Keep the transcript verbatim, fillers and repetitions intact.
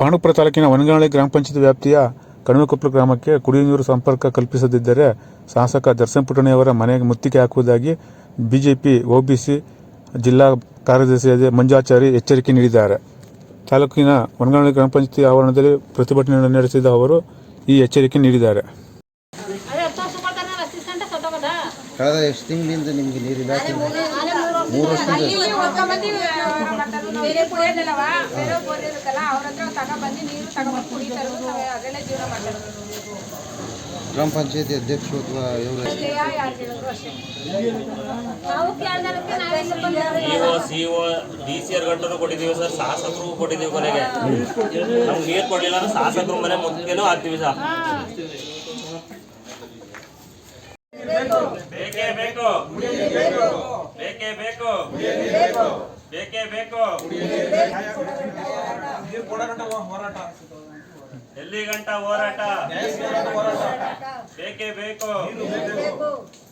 ಪಾಂಡುಪುರ ತಾಲೂಕಿನ ವನಗಾನಹಳ್ಳಿ ಗ್ರಾಮ ಪಂಚಾಯತ್ ವ್ಯಾಪ್ತಿಯ ಕಣಿವೆಕೊಪ್ಪಲು ಗ್ರಾಮಕ್ಕೆ ಕುಡಿಯುವ ನೀರು ಸಂಪರ್ಕ ಕಲ್ಪಿಸದಿದ್ದರೆ ಶಾಸಕ ದರ್ಶನ್ ಪುಟ್ಟಣ್ಣಯವರ ಮನೆಗೆ ಮುತ್ತಿಗೆ ಹಾಕುವುದಾಗಿ ಬಿಜೆಪಿ ಒಬಿಸಿ ಜಿಲ್ಲಾ ಕಾರ್ಯದರ್ಶಿ ಮಂಜಾಚಾರಿ ಎಚ್ಚರಿಕೆ ನೀಡಿದ್ದಾರೆ. ತಾಲೂಕಿನ ವನಗಾನಹಳ್ಳಿ ಗ್ರಾಮ ಪಂಚಾಯತ್ ಆವರಣದಲ್ಲಿ ಪ್ರತಿಭಟನೆ ನಡೆಸಿದ ಅವರು ಈ ಎಚ್ಚರಿಕೆ ನೀಡಿದ್ದಾರೆ. ಕಳೆದ ಎಷ್ಟು ತಿಂಗಳಿಂದ ನಿಮಗೆ ನೀರಿಲ್ಲ? ಮೂರು ವರ್ಷದಿಂದ ಗ್ರಾಮ ಪಂಚಾಯತಿ ಅಧ್ಯಕ್ಷರು ಅಥವಾ ಇವರು ಡಿ ಸಿ ಆರ್ ಗಂಟು ಕೊಟ್ಟಿದ್ದೀವಿ ಸರ್, ಶಾಸಕರು ಕೊಟ್ಟಿದ್ದೀವಿ. ಕೊನೆಗೆ ನಮ್ಗೆ ನೀರು ಕೊಡಲಿಲ್ಲ ಅಂದ್ರೆ ಶಾಸಕರು ಮನೆ ಮುಂದೆನೂ ಹಾಕ್ತೀವಿ ಸರ್. ಬೇಕೇ ಬೇಕು, ಬೇಕೇ ಬೇಕು, ಬೇಕೇ ಬೇಕು. ಎಲ್ಲಿ ಗಂಟ ಹೋರಾಟ? ಬೇಕೇ ಬೇಕು.